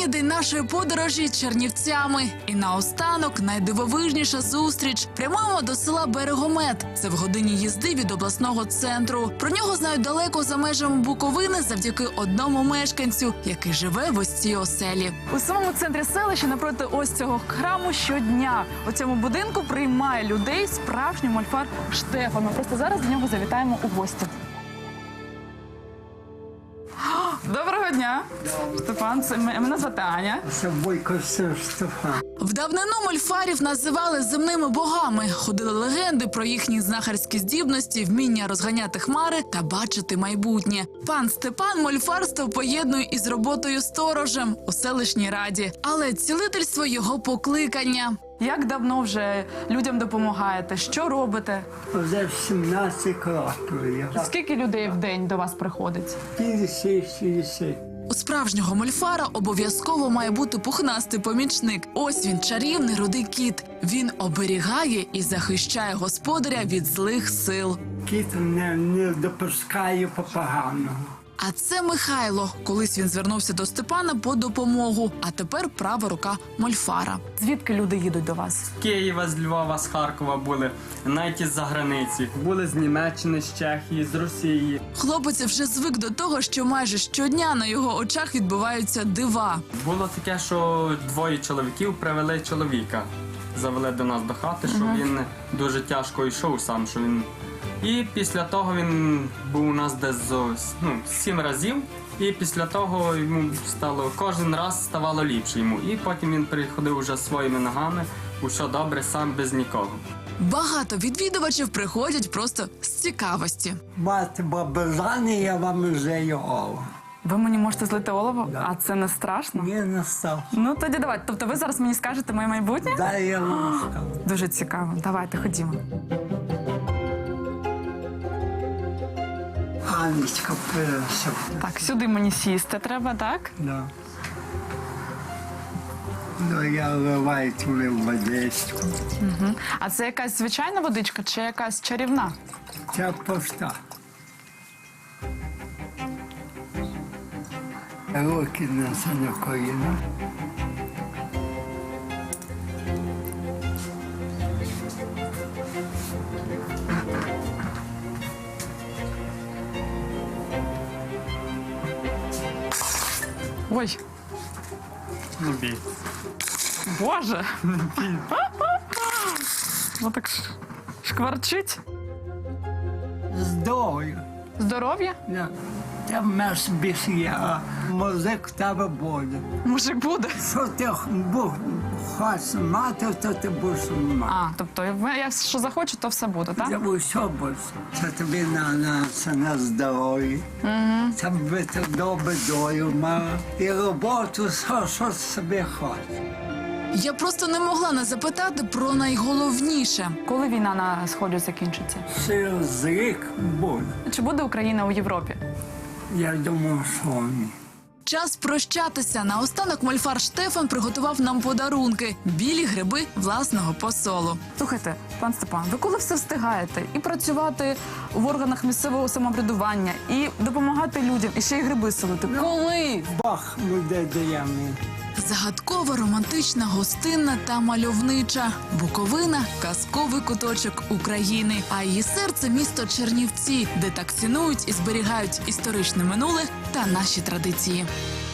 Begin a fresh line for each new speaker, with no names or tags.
Останній день нашої подорожі Чернівцями. І наостанок найдивовижніша зустріч. Прямуємо до села Берегомет. Це в годині їзди від обласного центру. Про нього знають далеко за межами Буковини завдяки одному мешканцю, який живе в ось цій оселі.
У самому центрі селища напроти ось цього храму щодня у цьому будинку приймає людей справжній мольфар Штефан. Ми просто зараз до нього завітаємо у гості. Доброго дня, Стефан. Мене звати Аня.
Це Бойко Стефан.
В давнину мольфарів називали земними богами. Ходили легенди про їхні знахарські здібності, вміння розганяти хмари та бачити майбутнє. Пан Степан мольфарство поєднує із роботою сторожем у селищній раді. Але цілительство – його покликання.
Як давно вже людям допомагаєте? Що робите?
Вже 17 років.
Скільки людей в день до вас приходить?
50-60.
У справжнього мольфара обов'язково має бути пухнастий помічник. Ось він, чарівний рудий кіт. Він оберігає і захищає господаря від злих сил.
Кіт не допускає поганого.
А це Михайло. Колись він звернувся до Степана по допомогу, а тепер права рука мольфара.
Звідки люди їдуть до вас?
З Києва, з Львова, з Харкова були, навіть із-за границі. Були з Німеччини, з Чехії, з Росії.
Хлопець вже звик до того, що майже щодня на його очах відбуваються дива.
Було таке, що двоє чоловіків привели чоловіка. Завели до нас до хати, що він дуже тяжко йшов сам, що він... І після того він був у нас десь 7 разів. І після того йому кожен раз ставало ліпше йому. І потім він приходив уже своїми ногами, усе добре, сам без нікого.
Багато відвідувачів приходять просто з цікавості.
Мати бабажани, я вам вже його.
Ви мені можете злити олово?
Да.
А це не страшно?
Ні, не став.
Ну тоді давайте. Тобто ви зараз мені скажете моє майбутнє?
Дай я вам скажу.
Дуже цікаво. Давайте, ходімо.
Анечка перша.
Так, сюди мені сісти треба, так?
Да. Ну, я вливаю туди в водичку.
А це якась звичайна водичка чи якась чарівна?
Це поста. Руки на коліна.
Ой,
Не бій.
Боже! Ну так шкварчить.
Здоров'я.
Здоров'я?
Да. Та меш більше є, а музик в тебе буде.
Мужик буде.
Що ти хочеш мати, то ти будеш мати.
А, тобто я що захочу, то все буде, так?
Це все буде. Це тобі це на здоров'я. Це би ти добре долю мав. І роботу, що собі хочеш.
Я просто не могла не запитати про найголовніше.
Коли війна на Сході закінчиться?
Через рік буде.
Чи буде Україна у Європі?
Я думаю, що ні.
Час прощатися. Наостанок мольфар Штефан приготував нам подарунки – білі гриби власного посолу.
Слухайте, пан Степан, ви коли все встигаєте? І працювати в органах місцевого самоврядування, і допомагати людям, і ще й гриби солити. Коли?
Бог людей дає мені.
Загадкова, романтична, гостинна та мальовнича. Буковина – казковий куточок України. А її серце – місто Чернівці, де так цінують і зберігають історичне минуле та наші традиції.